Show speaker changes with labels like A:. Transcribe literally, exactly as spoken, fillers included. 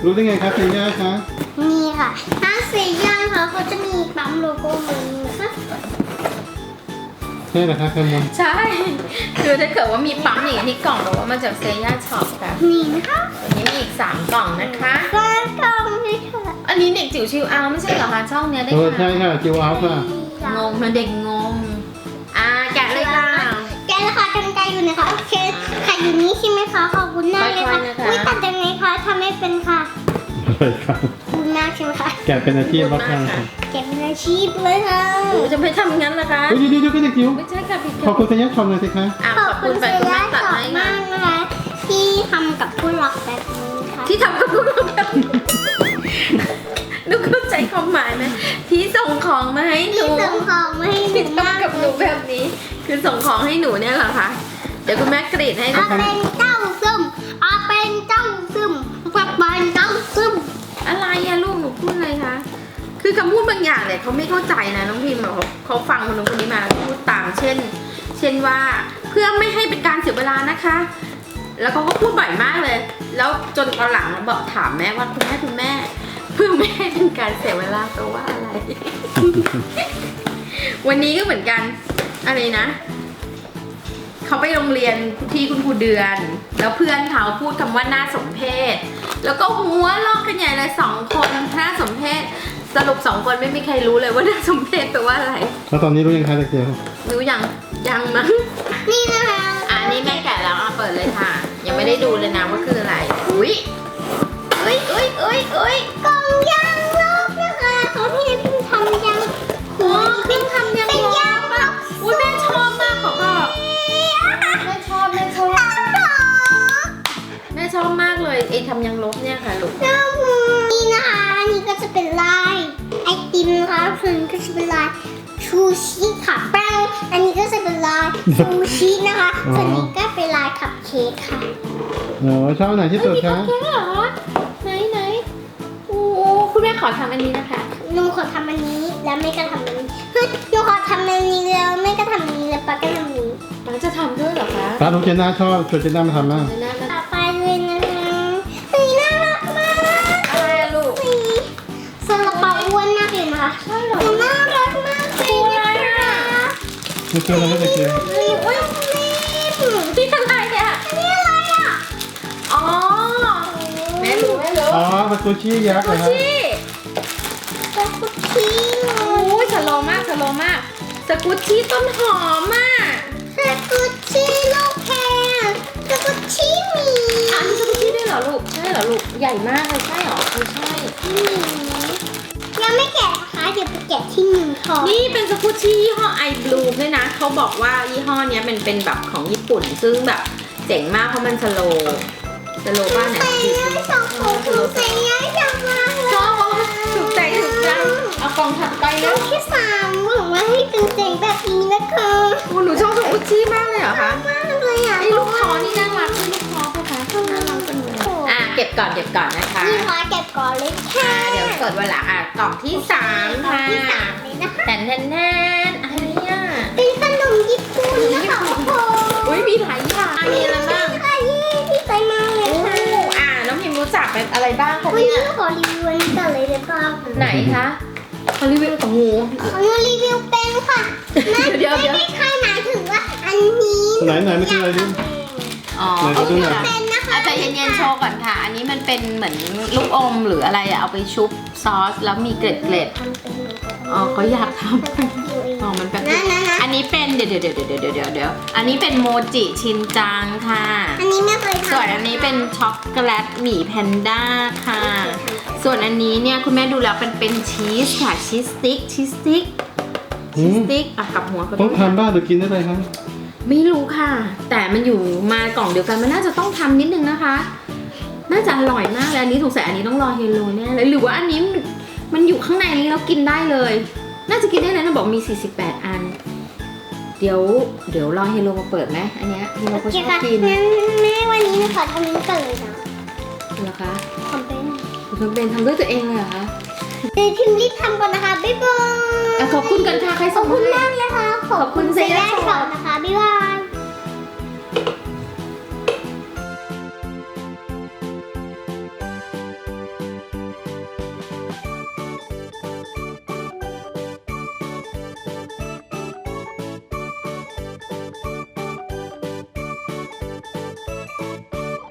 A: รู้ได้ไงครับเซย่าคะ
B: นี่ค่ะถ้าเซย่าค่ะเขาจะมีปั๊มโลโก้เหมือนนี้นะคะ
A: ใช่เหรอคะแคมมอน
C: ใช่ คือถ้าเกิดว่ามีปั๊มอย่างที่กล่องบอกว่ามาจากเซย่าช็อปค่ะ
B: นี่นะคะ
C: วันนี้มีอีกสามกล่องนะคะ
B: ก็ต้องนี่ค่ะ
C: อันนี้เด็กจิ๋วชิวเอาไม่ใช่เหรอคะช่องเนี้ยได้
A: เออ
C: ค่ะ
A: ใช่ค่ะจิวเอาค่ะ
C: งงนะเด็กงง อ่าแกะเลยค่ะ
B: แกะนะคะกันไกลอยู่นะคะโอเคไข่อยู่นี้ใช่ไหมคะขอบคุณมากเลยค่ะ
C: ค่อยๆนะคะ
B: อุ้ยตัดยังไงคะทำไม่เป็นค่ะ
A: อะไรครับ
B: ขอบคุณมากใช่ไหมคะ
A: แกะเป็นอาชีพบ้างค่ะ
B: แกะเป็นอาชีพเลยค่ะ
C: หนูจะไม่ทำงั้นนะคะ
A: เฮ้ยเดี๋ยวเดี๋ยวก็เด็กจิ๋ว
C: ไม่ใช่ค่ะพี่
A: ขอบคุณเซย่าชมหน่อยสิคะ
C: อ่ะ
B: ข
C: ข
B: อ
C: อ
B: บบ คุ
C: คุณ ณ
B: เซ
C: ไปคุณ
B: ย่า
C: แม่ตัด
B: สอ
C: ให้
B: บ
C: นะ
B: มากนะคะที่ทำกับผู้รักแบบนี้ค่ะ
C: ที่ทำกับคุณแบบหนูเข้าใจความหมายไหมที่ส่งของมาให้หนู
B: ที่ส่งของมาให้หนู
C: ที่
B: มาก
C: ทำกับหนูแบบนี้ คือส่งของให้หนูเนี่ยเหรอคะเดี๋ยวคุณแม่กรีดให้
B: อา
C: นะคะ
B: เป็นเจ้าซึมอาเป็นเจ้าซึมแบบเป็นเจ้าซึม
C: อะไรอะลูกหนูพูดอะไรคะคือคำพูดบางอย่างเนี่ยเขาไม่เข้าใจนะน้องพิมพ์อะเขาเขาฟังคนนู้นคนนี้มาพูดตามเช่น เช่นว่าเพื่อไม่ให้เป็นการเสียเวลานะคะ แล้วเขาก็พูดบ่อยมากเลย แล้วจนตอนหลังบอกถามแม่ว่าคุณแม่คุณแม่ เพื่อไม่ให้เป็นการเสียเวลาแปลว่าอะไร วันนี้ก็เหมือนกันอะไรนะเขาไปโรงเรียนที่คุณครูเดือน แล้วเพื่อนเขาพูดคำว่าน่าสมเพชแล้วก็หัวลอกกันใหญ่เลยสองคนน่าสมเพชสรุปสองคนไม่มีใครรู้เลยว่าน่าสมเพชแปลว่าอะไร
A: แล้วตอนนี้รู้ยังคะเด็กจิ๋ว
C: รู้ยังยังมั้ง
B: นี่นะคะ
C: อันนี้แม่แกะแล้วอ่ะเปิดเลยค่ะ ยังไม่ได้ดูเลยนะว่าคืออะไรอุ้ยเอ้ยเอ้ยเอ้ยเอ้ย
B: กล่องยางลบนะคะเขาพี่เพิ่งทำยาง
C: โอ้ขึ้นทำยัง
B: เป็นยางลบ
C: อุ้ยแม่ชอบมากขอบอกแม่ชอบแม่ชอบแม่ชอบมากเลยไอ้ทำยังลบเนี่ยค่ะลูก
B: นี่นะคะอันนี้ก็จะเป็นลายไอติมนะคะส่วนก็จะเป็นลายชูชิค่ะแป้งอันนี้ก็จะเป็นลายชูชินะคะส่วนนี้ก็เป็นลายคัพเค้กค่ะ
A: โอ้ชอบไหนที่สุดคะ
C: แค่เหรอไหนไหนโอ้คุณแม่ขอทำอันนี้นะคะ
B: หนูขอทำอันนี้แล้วแม่ก็ทำอันนี้เฮ้ยหนูขอทำอันนี้แล้วแม่ก็ทำอันนี้แล้วป้าก็ทำอันนี้
C: ป้าจะทำด้วยเหรอคะ
A: ตาลูกเจน่าชอบชวนเจน่ามาทำบ้าง
C: เดี๋ยวนะมัน
B: ต่อไปเลยนะคะสีน่ารักมาก
C: อะไรอะลูก
B: สีซาลาเปาอ้วนมากเลยนะคะใช่หรอน่ารักมากเลยนะคะ
A: ไม่เชื่อแล้วเด็กจิ๋ว
B: มีอ้วนนิ่ม
C: ที่อะไรเนี่ย
B: นี่อะไรอ่ะ
C: อ๋อแม่รู้แม่รู้
A: อ๋อมันตัวชี้ยักษ์
C: กุ
A: เหรอฮะ
C: ชี่
B: สกุชชี่
C: โอ้ยสโลว์มากสโลว์มากสกุชชี่ต้นหอมมาก
B: สกุชชี่ลูกแพรสกุชชี่หมี
C: อันนี้สกุชชี่ด้วยเหรอลูกใช่เหรอลูกใหญ่มากเลยใช่เหรอไม่ใช่
B: หมียังไม่แกะนะคะเดี๋ยวไปแกะที่หนึ่งทอง
C: นี่เป็นสกุชชี่ยี่ห้อไอบลูด้วยนะเขาบอกว่ายี่ห้อเนี้ยมันเป็นแบบของญี่ปุ่น ซึ่งแบบเจ๋งมากเพราะมันสโลว์สโลว์บ้านไหน
B: ใส่
C: ดี
B: ย้ายสองของถูกใส่ย้ายจังมากเลย
C: ชอบถูกใจถูกใจเอากล่องถัดไป
B: น้
C: แล้
B: อ
C: ว
B: งที่สามหวังว่าให้เป็นเจ๋งแบบนี้นะคะ
C: โอ้หนูชอบสกุชชี่มากเลยเหรอคะ
B: มากเลยอ่ะ
C: ไอ้ลูกคอนี่น่ารักที่ลูกคอเขาคะน่ารักจังเลยอ่ะเก็บก่อนเก็บก่อนนะคะ
B: นี่ขอเก็บก่อนเลยค่ะ
C: อ่ะเดี๋ยวกดเวลาอ่ะกล่องที่สามค่ะ
B: ที่สามเลยนะคะ
C: แทนแทนแทนอะไรอ่ะ
B: เป็นขนมญี่ปุ่นนะคะโอ้โห
C: อุ้ยมีหลายอย่างมีอะไรบ้าง
B: ค่ะยี่ที่ใจมากเลยค่ะ
C: อ่าน้องพิมรู้จักเป็นอะไรบ้างคะ
B: วัน
C: เนี่
B: นี้
C: ย
B: ขอรีวิวอันนี้ก่อนเลยได้ป่ะ
C: ไหนคะเขารีวิวของหมู
B: ขอรีวิวเป็นค่ะไม่
C: เดี๋ยวเดี๋ยว
B: ไม่ใช่หมายถึงว่าอันนี้
A: ไหนไหนไม่ใช่อะไรดิ
C: อ๋อ
A: ไหนขอดูหน่อย
B: เป็นนะคะ
C: อาจจะเย็นๆโชว์ก่อนค่ะ อันนี้มันเป็นเหมือนลูกอมหรืออะไรอะเอาไปชุบซอสแล้วมีเกล็ดเกล็ดๆอ๋อเขาอยากทำอ๋อมันแบบ
B: นั่นๆๆ
C: อันนี้เป็นเดี๋ยวเดี๋ยวเดี๋ยวเดี๋ยวเดี๋ยวเดี๋ยวเดี๋ยวอันนี้เป็นโมจิชินจังค่ะ
B: อันนี้ไม่เคยทำ
C: ส่วนอันนี้เป็นช็อกโกแลตหมี่แพนด้าค่ะ ส่วนอันนี้เนี่ยคุณแม่ดูแล้วเป็นเป็นชีสค่ะชีสสติ๊กชีสสติ๊ก
A: อื
C: ชีส
A: ม
C: สติ๊กอ่ะกับหัวเขา
A: ต้องทำบ้างหรือกินได้เลยครับ
C: ไม่รู้ค่ะ แต่มันอยู่มากล่องเดียวกันมันน่าจะต้องทำนิดนึงนะคะ น่าจะอร่อยมากเลยอันนี้สงสัยอันนี้ต้องรอเฮโลแน่เลยหรือว่าอันนี้มันอยู่ข้างในนี้แล้วกินได้เลย น่าจะกินได้เลยนะบอกมีสี่สิบแปดอัน เดี๋ยวเดี๋ยวรอเฮโลมาเปิดไหมอันเนี้ยเฮโล
B: โอ
C: เขา
B: เค
C: ชอบ
B: ค่ะ
C: กิน
B: งั้นแม่วันนี้หนูขอทำนี้ก่อนเลยนะ
C: เหรอคะ
B: ทำเป็น
C: คุณทำเป็นทำด้วยตัวเองเลยเหรอคะ
B: เดี๋ยวพิมพ์รีบทำก่อนนะคะบ๊ายบาย
C: อ่ะขอบคุณกันค่ะใคร
B: ข
C: ส่
B: อง บ
C: มา
B: คุณ
C: ให้
B: มากเลยค่ะขอบคุณ
C: ขอบคุณ
B: เซ
C: เซย่า
B: ย่า
C: ช็
B: ช็
C: อ
B: อ
C: ป
B: ปนะคะบ๊ายบาย